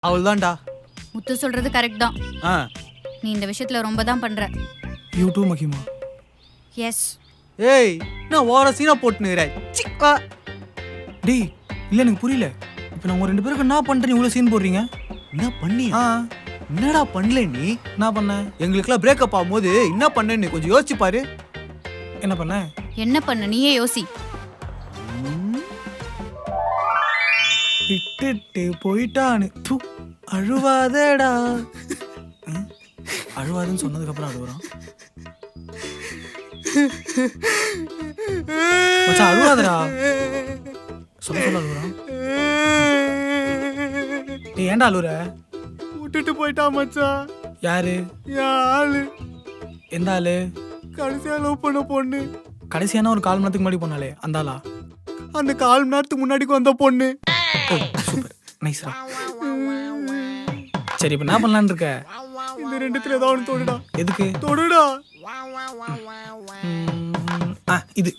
அவள்தான்டா. முத்து சொல்றது கரெக்ட் தான். ஆ நீ இந்த விஷயத்துல ரொம்ப தான் பண்ற. யூ டூ மகிமா. எஸ். ஏய் நான் ஓர சீனா போட்டுனுறேன். சிக்கா டேய் இல்லை எனக்கு புரியல. இப்போ நான் உங்க 2 பேருக்கு என்ன பண்ணுறேன் இவ்வளோ சீன் போடுறீங்க? என்ன பண்ணி? ஆ என்னடா பண்ணல நீ? என்ன பண்ணேன்? எங்களுக்குலாம் பிரேக்கப் ஆகும்போது என்ன பண்ணேன்னு கொஞ்சம் யோசிச்சு பாரு. என்ன பண்ணேன்? என்ன பண்ண நீயே யோசி. விட்டுட்டு போயிட்டான்னு தூ அழுவாதடா. அழுவாதுன்னு சொன்னதுக்கப்புறம் அழுகுறான். மச்சான் அழுவாதடா. சொல்ல சொல்ல அழுகுறான். நீ ஏன்டா அழுகுற? விட்டுட்டு போயிட்டா மச்சான். யாரு? என் ஆளு. எந்த ஆளு? கடைசியா லவ் பண்ண பொண்ணு. கடைசியான ஒரு 1/4 மணி நேரத்துக்கு முன்னாடி போனாலே அந்த ஆளா? அந்த 1/4 மணி நேரத்துக்கு முன்னாடி வந்த பொண்ணு. சூப்பர் நைஸ்ரா. சரி இப்போ என்ன பண்ணலான்னு இருக்க? இந்த ரெண்டுத்துல ஏதாவது ஒன்று தொடுடா. எதுக்கு? தொடுடா. இது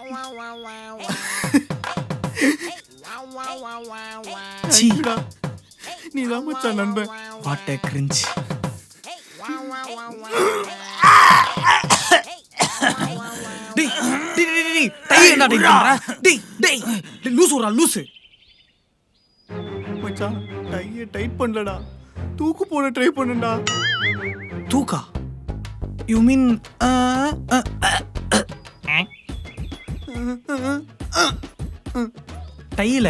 சீடா. நீ தான் மச்சான் நண்பன். What a cringe. டேய் டேய் டேய் டேய் டை என்ன டை பண்ற? டேய் டேய் லூசுடா லூசு. மச்சான் டைய டைட் பண்ணலடா. தூக்கு போட ட்ரை பண்ணுடா. தூக்கா? யூ மீன் டையில?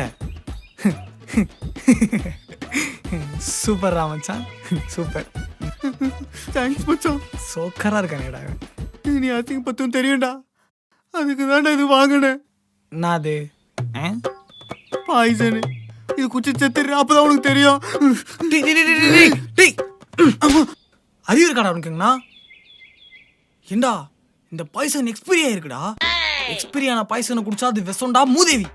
சூப்பர் ராமச்சான் சூப்பர். தேங்க்ஸ் மச்சான். சோக்கரா இருக்கானேடா. நீ அசிங்க பத்தும் தெரியும்டா. அதுக்கு தான்டா இது வாங்கினேன். நான் அது பாய்சனு. இது குச்சி செத்துரு அப்பதான் உனக்கு தெரியும். டேய் டேய் டேய் டேய் டேய் அறிவு இருக்காடா உனக்குங்கண்ணா? ஏண்டா இந்த பாய்சன் எக்ஸ்பீரி ஆயிருக்குடா. எக்ஸ்பீரி ஆன பாய்சனை குடிச்சா அது விஷம்டா மூதேவி.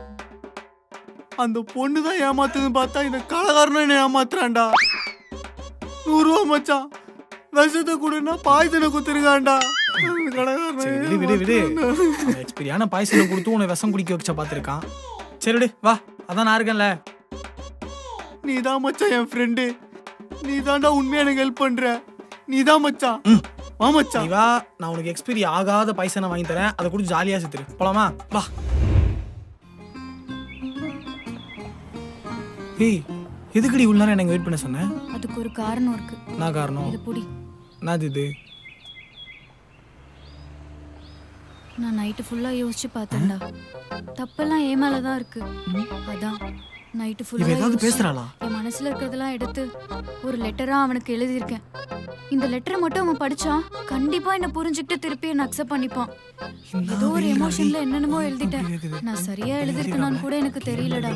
அந்த பொண்ணு தான் ஏமாத்துதுன்னு பார்த்தா இந்த கலகாரனும் என்ன ஏமாத்துறான்டா. 100 ரூபா மச்சான். விஷத்தை கொடுன்னா பாய்சனை குத்துருக்கான்டா. விடு விடு விடு. எக்ஸ்பீரியான பாய்சனை கொடுத்து உன்னை விஷம் குடிக்க வச்ச பார்த்துருக்கான். சரி விடு வா, அதான் நான் இருக்கேன்ல. நீ தான் மச்சான் என் ஃப்ரெண்டு. நீ தான்டா உண்மையா எனக்கு ஹெல்ப் பண்ற. நீ தான் மச்சான். வா மச்சான். நீ வா, நான் உனக்கு எக்ஸ்பீரி ஆகாத பாய்சனை வாங்கி தரேன். அதை கூட ஜாலியா செத்துரு. போலாமா? வா. ஏய் எதுக்குடி இவ்வளவு நேரம் எனக்கு வெயிட் பண்ண சொன்னேன்? அதுக்கு ஒரு காரணம் இருக்கு. நான் காரணம்? இது புடி. நான் இது நான் நைட்டு ஃபுல்லா யோசிச்சு பார்த்தேன்டா. தப்பெல்லாம் ஏன் மேலதான் இருக்கு. அதான் நைட்டு இவ ஃபுல்லா ஏதாவது பேசுறாளா? என் மனசுல இருக்கிறதெல்லாம் எடுத்து ஒரு லெட்டரா அவனுக்கு எழுதியிருக்கேன். இந்த லெட்டரை மட்டும் அவன் படிச்சா கண்டிப்பா என்ன புரிஞ்சுக்கிட்டு திருப்பி என்ன அக்செப்ட் பண்ணிப்பான். ஏதோ ஒரு எமோஷன்ல என்னென்னமோ எழுதிட்டேன். நான் சரியா எழுதிருக்கேனான்னு கூட எனக்கு தெரியலடா.